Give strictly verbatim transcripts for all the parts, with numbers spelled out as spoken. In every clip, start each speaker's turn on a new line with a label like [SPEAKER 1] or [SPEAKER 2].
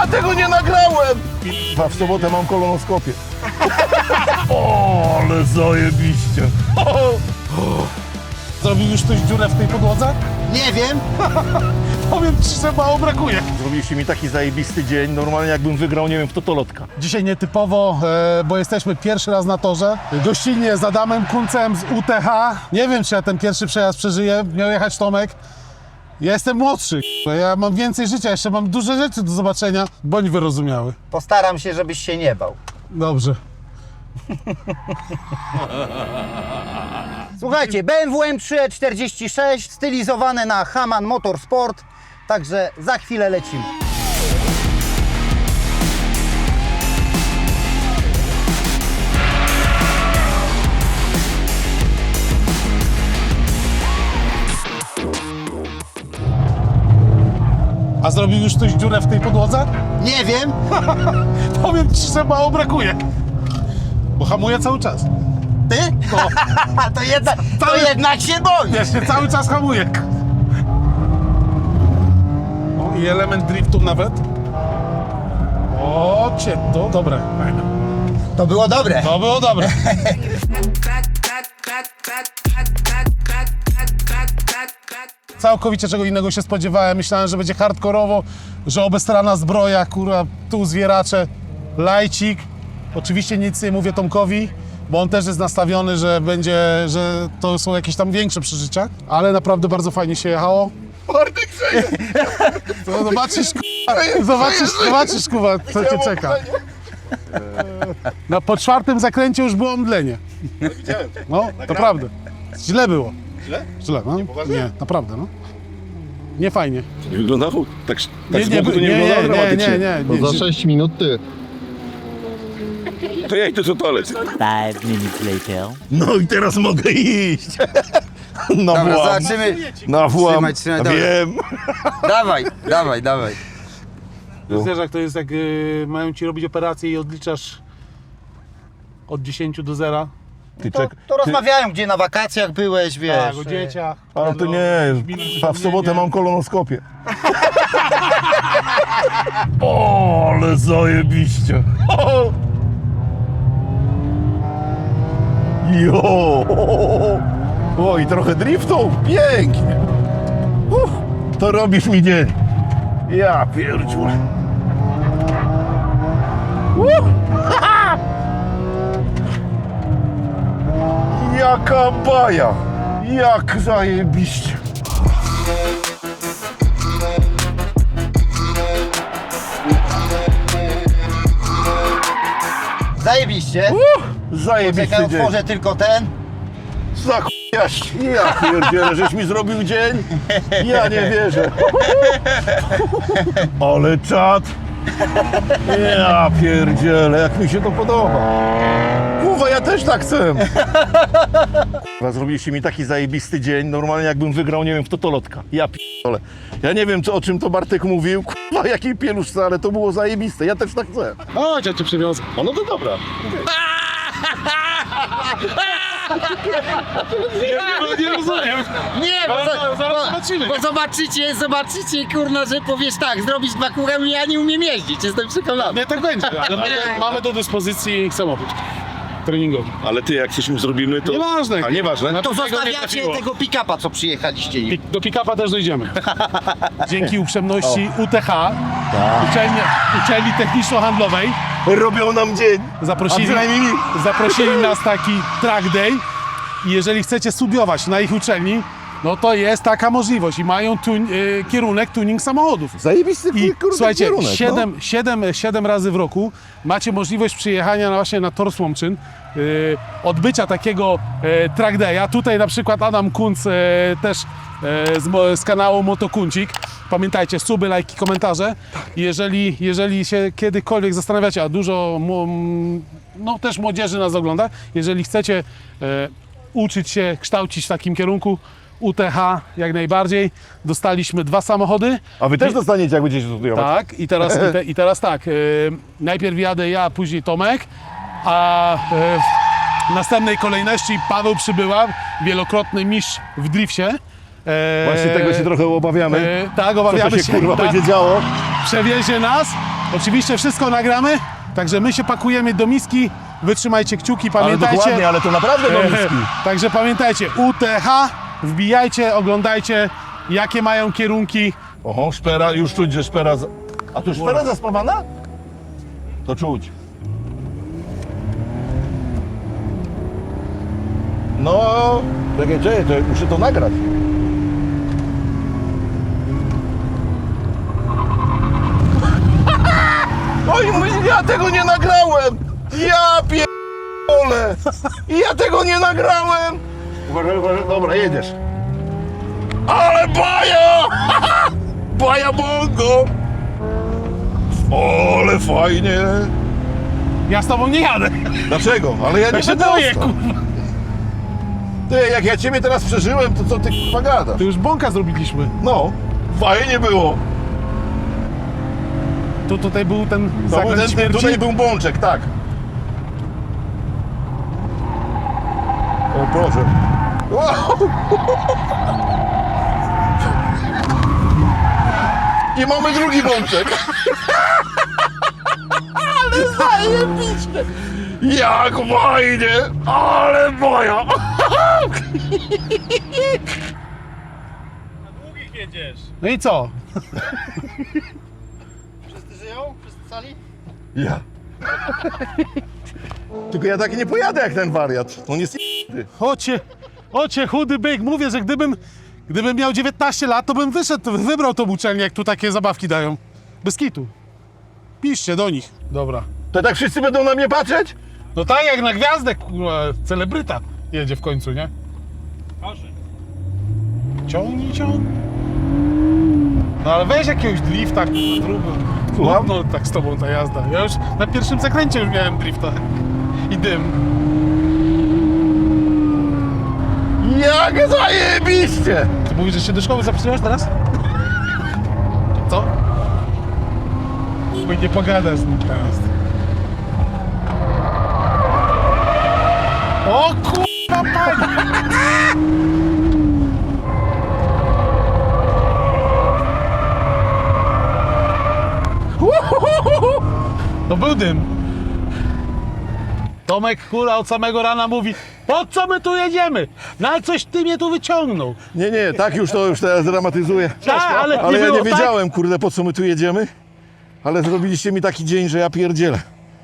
[SPEAKER 1] Ja tego nie nagrałem! A w sobotę mam kolonoskopię. O, ale zajebiście.
[SPEAKER 2] Zrobił już ktoś dziurę w tej podłodze?
[SPEAKER 3] Nie wiem.
[SPEAKER 2] Powiem ci, że mało brakuje.
[SPEAKER 1] Zrobiliście mi taki zajebisty dzień, normalnie jakbym wygrał, nie wiem, w totolotka.
[SPEAKER 2] Dzisiaj nietypowo, e, bo jesteśmy pierwszy raz na torze. Gościnnie z Adamem Kuncem z U T H. Nie wiem, czy ja ten pierwszy przejazd przeżyję. Miał jechać Tomek. Ja jestem młodszy. Ja mam więcej życia, jeszcze mam duże rzeczy do zobaczenia. Bądź wyrozumiały.
[SPEAKER 3] Postaram się, żebyś się nie bał.
[SPEAKER 2] Dobrze.
[SPEAKER 3] Słuchajcie, B M W M trzy E czterdzieści sześć stylizowane na Hamann Motorsport. Także za chwilę lecimy.
[SPEAKER 2] A zrobił już ktoś dziurę w tej podłodze?
[SPEAKER 3] Nie wiem.
[SPEAKER 2] Powiem ci, że mało brakuje. Bo hamuje cały czas.
[SPEAKER 3] Ty?
[SPEAKER 2] No.
[SPEAKER 3] to, jednak, to
[SPEAKER 2] Cały-
[SPEAKER 3] jednak się boisz.
[SPEAKER 2] Ja się cały czas hamuje. O, i element driftu nawet. O, cię, to dobre. Fajne.
[SPEAKER 3] To było dobre.
[SPEAKER 2] To było dobre. Całkowicie czego innego się spodziewałem. Myślałem, że będzie hardkorowo, że obestrana zbroja, kurwa, tu zwieracze, lajcik. Oczywiście nic nie mówię Tomkowi, bo on też jest nastawiony, że będzie, że to są jakieś tam większe przeżycia, ale naprawdę bardzo fajnie się jechało.
[SPEAKER 1] Bartek grzeje!
[SPEAKER 2] To zobaczysz, kurwa, zobaczysz, zobaczysz, kurwa, co cię czeka. No, po czwartym zakręcie już było omdlenie.
[SPEAKER 1] Widziałem.
[SPEAKER 2] No, to prawda. Źle było.
[SPEAKER 1] Źle?
[SPEAKER 2] Źle, no.
[SPEAKER 1] poważnie?
[SPEAKER 2] Nie, naprawdę, no. Nie fajnie.
[SPEAKER 1] Nie wyglądało tak, tak
[SPEAKER 2] Nie,
[SPEAKER 1] z
[SPEAKER 2] nie,
[SPEAKER 1] boku to nie,
[SPEAKER 2] nie,
[SPEAKER 1] wyglądało
[SPEAKER 2] nie,
[SPEAKER 1] dramatycznie.
[SPEAKER 2] nie, nie,
[SPEAKER 4] Bo
[SPEAKER 2] nie.
[SPEAKER 4] za sześć minut ty.
[SPEAKER 1] To ja idę do toalety.
[SPEAKER 5] Five minutes later.
[SPEAKER 1] No i teraz mogę iść. Na
[SPEAKER 3] Dobra,
[SPEAKER 1] włam.
[SPEAKER 3] zobaczymy.
[SPEAKER 1] Na włam.
[SPEAKER 3] Trzymaj, trzymaj, dobra.
[SPEAKER 1] Wiem.
[SPEAKER 3] Dawaj, dawaj, dawaj.
[SPEAKER 2] Wiesz, jak to jest, jak y, mają ci robić operację i odliczasz od dziesięciu do zera.
[SPEAKER 1] Ty
[SPEAKER 3] To,
[SPEAKER 1] czek...
[SPEAKER 3] to rozmawiają, gdzie na wakacjach byłeś, wiesz.
[SPEAKER 2] Tak, o dzieciach.
[SPEAKER 1] Ale to nie, a w sobotę mam kolonoskopię. O, ale zajebiście. Jo. O, i trochę driftu. Pięknie. Uff, to robisz mi dzień. Ja pierdziu. Jaka baja. Jak zajebiście.
[SPEAKER 3] Zajebiście.
[SPEAKER 1] Zajebisty
[SPEAKER 3] Czekaj,
[SPEAKER 1] dzień.
[SPEAKER 3] otworzę tylko ten.
[SPEAKER 1] Zachujaś. Ja pierdzielę, żeś mi zrobił dzień. Ja nie wierzę. Ale czad. Ja pierdzielę, jak mi się to podoba. Kurwa, ja też tak chcę. Kurwa, zrobiliście mi taki zajebisty dzień, normalnie jakbym wygrał, nie wiem, w totolotka. Ja pierdolę. Ja nie wiem, co, o czym to Bartek mówił. Kurwa, jakiej pieluszce, ale to było zajebiste. Ja też tak chcę.
[SPEAKER 2] Chodź, ja cię przywiozę.
[SPEAKER 1] O, no to dobra.
[SPEAKER 2] Nie, nie rozumiem.
[SPEAKER 3] Nie, bo,
[SPEAKER 2] Ale zaraz
[SPEAKER 3] bo,
[SPEAKER 2] zobaczymy.
[SPEAKER 3] bo zobaczycie, zobaczycie, kurna, że powiesz tak, zrobić dwa kółka, ja nie umiem jeździć, jestem przekonany.
[SPEAKER 2] Nie, tak będzie, ale mamy, mamy do dyspozycji samochód treningowy.
[SPEAKER 1] Ale ty, jak coś im zrobimy, to...
[SPEAKER 2] Nieważne.
[SPEAKER 1] A nieważne?
[SPEAKER 2] No
[SPEAKER 3] To
[SPEAKER 2] tego nie
[SPEAKER 3] zostawiacie
[SPEAKER 2] trafiło.
[SPEAKER 3] tego pick-upa, co przyjechaliście nim.
[SPEAKER 2] Do pick-upa też dojdziemy. Dzięki uprzejmości U T H, uczelni, uczelni techniczno-handlowej,
[SPEAKER 1] Robią nam dzień.
[SPEAKER 2] zaprosili,
[SPEAKER 1] A przynajmniej mi.
[SPEAKER 2] zaprosili nas taki track day i jeżeli chcecie studiować na ich uczelni, no to jest taka możliwość i mają tun- y, kierunek tuning samochodów.
[SPEAKER 1] Zajebisty
[SPEAKER 2] I
[SPEAKER 1] kurde
[SPEAKER 2] słuchajcie,
[SPEAKER 1] kierunek,
[SPEAKER 2] siedem, siedem, siedem razy w roku macie możliwość przyjechania na, właśnie na Tor Słomczyn, yy, odbycia takiego e, track day'a. Tutaj na przykład Adam Kunc e, też e, z, mo- z kanału Motokuncik. Pamiętajcie, suby, lajki, komentarze. Jeżeli, jeżeli się kiedykolwiek zastanawiacie, a dużo mu- m, no, też młodzieży nas ogląda, jeżeli chcecie e, uczyć się, kształcić w takim kierunku, U T H jak najbardziej. Dostaliśmy dwa samochody.
[SPEAKER 1] A wy też dostaniecie, jak będziecie studiować.
[SPEAKER 2] Tak, i teraz, i te, i teraz tak, y, najpierw jadę ja, później Tomek, a y, w następnej kolejności Paweł Przybyła, wielokrotny mistrz w drifcie. E,
[SPEAKER 1] Właśnie tego się trochę obawiamy.
[SPEAKER 2] e, tak,
[SPEAKER 1] Co
[SPEAKER 2] obawiamy
[SPEAKER 1] to się, kurwa
[SPEAKER 2] tak,
[SPEAKER 1] będzie działo?
[SPEAKER 2] przewiezie nas Oczywiście wszystko nagramy, także my się pakujemy do miski. Wytrzymajcie kciuki, pamiętajcie.
[SPEAKER 1] Ale dokładnie, ale to naprawdę do miski.
[SPEAKER 2] Także pamiętajcie, U T H, wbijajcie, oglądajcie, jakie mają kierunki.
[SPEAKER 1] Oho, szpera, już czuć, że szpera... za- A tu szpera zaspawana? To czuć. No, czekaj, czekaj, to muszę to nagrać. Oj, my- ja tego nie nagrałem! Ja pierdolę! Ja tego nie nagrałem! Uważaj, uważaj, dobra, jedziesz. Ale baja! Baja bongo! Ale fajnie!
[SPEAKER 2] Ja z tobą nie jadę.
[SPEAKER 1] Dlaczego? Ale ja nie
[SPEAKER 2] Ja się
[SPEAKER 1] będę
[SPEAKER 2] boję,
[SPEAKER 1] ostał.
[SPEAKER 2] kurwa.
[SPEAKER 1] Ty, jak ja ciebie teraz przeżyłem, to co ty kurwa gadasz?
[SPEAKER 2] To już bąka zrobiliśmy.
[SPEAKER 1] No, fajnie było.
[SPEAKER 2] Tu tutaj był ten
[SPEAKER 1] To był
[SPEAKER 2] zakręt
[SPEAKER 1] ten, ten,
[SPEAKER 2] śmierci.
[SPEAKER 1] tutaj był bączek, tak. O Boże. Wow. I mamy drugi bączek. Ale zajebiście. Jak fajnie, ale moja.
[SPEAKER 2] No i co?
[SPEAKER 3] Wszyscy żyją? Wszyscy cali?
[SPEAKER 1] Ja. Tylko ja tak nie pojadę jak ten wariat. On jest j***y.
[SPEAKER 2] Ocie, ocie, chudy byk. Mówię, że gdybym, gdybym miał dziewiętnaście lat, to bym wyszedł, wybrał tą uczelnię, jak tu takie zabawki dają. Bez kitu. Piszcie do nich. Dobra.
[SPEAKER 1] To tak wszyscy będą na mnie patrzeć?
[SPEAKER 2] No tak jak na gwiazdę, kurwa, celebryta jedzie w końcu, nie?
[SPEAKER 4] Proszę.
[SPEAKER 2] Ciągnij, ciągnij. No ale weź jakiegoś drifta, kurwa, zrób.
[SPEAKER 1] Słucham?
[SPEAKER 2] No tak z tobą ta jazda. Ja już na pierwszym zakręcie już miałem drifta. I dym.
[SPEAKER 1] Jak zajebiście!
[SPEAKER 2] Ty mówisz, że się do szkoły zapisujesz teraz? Co? Bo nie pogadasz z nim teraz. O kurwa, pani! To był dym. Tomek Kula od samego rana mówi: po co my tu jedziemy? Na coś ty mnie tu wyciągnął.
[SPEAKER 1] Nie, nie, tak już to już teraz dramatyzuję.
[SPEAKER 2] Tak, ale
[SPEAKER 1] Ale
[SPEAKER 2] nie
[SPEAKER 1] ja
[SPEAKER 2] było
[SPEAKER 1] nie
[SPEAKER 2] tak.
[SPEAKER 1] wiedziałem, kurde, po co my tu jedziemy. Ale zrobiliście mi taki dzień, że ja pierdzielę.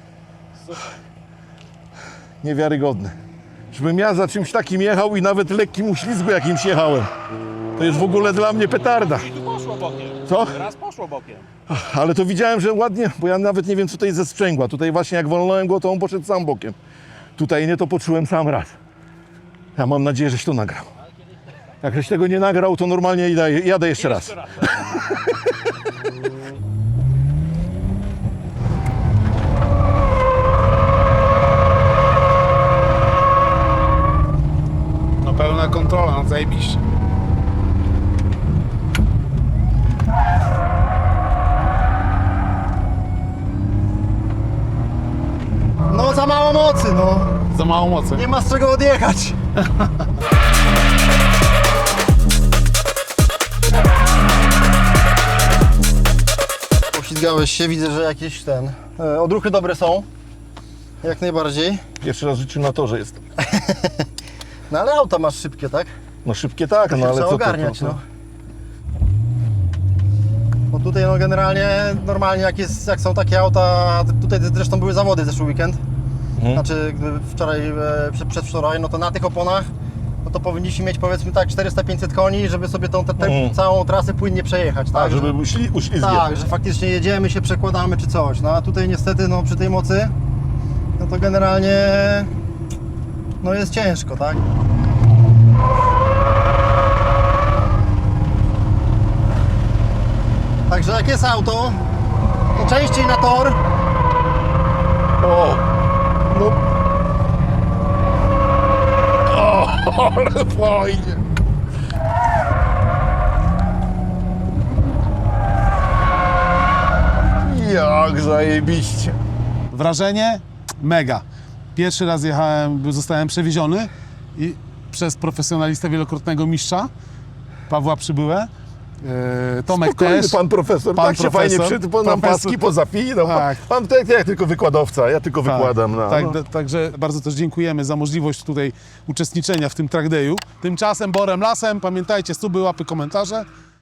[SPEAKER 1] Niewiarygodne. Żebym ja za czymś takim jechał i nawet lekkim uślizgu jakimś jechałem. To jest w ogóle dla mnie petarda.
[SPEAKER 4] I tu poszło bokiem.
[SPEAKER 1] Co?
[SPEAKER 4] Raz poszło bokiem.
[SPEAKER 1] Ale to widziałem, że ładnie, bo ja nawet nie wiem, co to jest ze sprzęgła. Tutaj właśnie jak wolnąłem go, to on poszedł sam bokiem. Tutaj nie, to poczułem sam raz. Ja mam nadzieję, żeś to nagrał. Jak żeś tego nie nagrał, to normalnie jadę, jadę jeszcze raz.
[SPEAKER 2] No pełna kontrola, no zajebiście.
[SPEAKER 3] No za mało mocy, no.
[SPEAKER 2] Za mało mocy.
[SPEAKER 3] Nie ma z czego odjechać. Poślizgałeś się, widzę, że jakieś ten... E, odruchy dobre są. Jak najbardziej.
[SPEAKER 1] Pierwszy raz w życiu na torze jestem.
[SPEAKER 3] No ale auta masz szybkie, tak?
[SPEAKER 1] No szybkie tak, no
[SPEAKER 3] Się
[SPEAKER 1] ale
[SPEAKER 3] trzeba
[SPEAKER 1] co to, to,
[SPEAKER 3] ogarniać,
[SPEAKER 1] to?
[SPEAKER 3] no. Bo tutaj no generalnie, normalnie jak, jest, jak są takie auta, tutaj zresztą były zawody zeszły weekend,
[SPEAKER 1] Mhm.
[SPEAKER 3] znaczy gdyby wczoraj, e, przed, przedwczoraj, no to na tych oponach, no to powinniśmy mieć powiedzmy tak czterysta pięćset koni, żeby sobie tą te, te,
[SPEAKER 1] Mhm.
[SPEAKER 3] całą trasę płynnie przejechać, tak?
[SPEAKER 1] A, żeby uśli, uślizgiem.
[SPEAKER 3] Tak, że faktycznie jedziemy, się przekładamy czy coś, no a tutaj niestety no przy tej mocy, no to generalnie, no jest ciężko, tak? Także jak jest auto, to częściej na tor.
[SPEAKER 1] O! No. O, ale fajnie. Jak zajebiście.
[SPEAKER 2] Wrażenie? Mega. Pierwszy raz jechałem, zostałem przewieziony i przez profesjonalistę, wielokrotnego mistrza, Pawła Przybyłę. e, Tomek
[SPEAKER 1] Spokojny
[SPEAKER 2] też.
[SPEAKER 1] pan profesor,
[SPEAKER 2] Pan
[SPEAKER 1] tak się
[SPEAKER 2] profesor.
[SPEAKER 1] fajnie przy, pan nam
[SPEAKER 2] Profesor.
[SPEAKER 1] paski pozapinał.
[SPEAKER 2] Tak.
[SPEAKER 1] Pan, pan tak, ja tylko wykładowca, ja tylko
[SPEAKER 2] Tak,
[SPEAKER 1] wykładam. No,
[SPEAKER 2] tak,
[SPEAKER 1] no.
[SPEAKER 2] d- Także bardzo też dziękujemy za możliwość tutaj uczestniczenia w tym track dayu. Tymczasem Borem Lasem, pamiętajcie, suby, łapy, komentarze.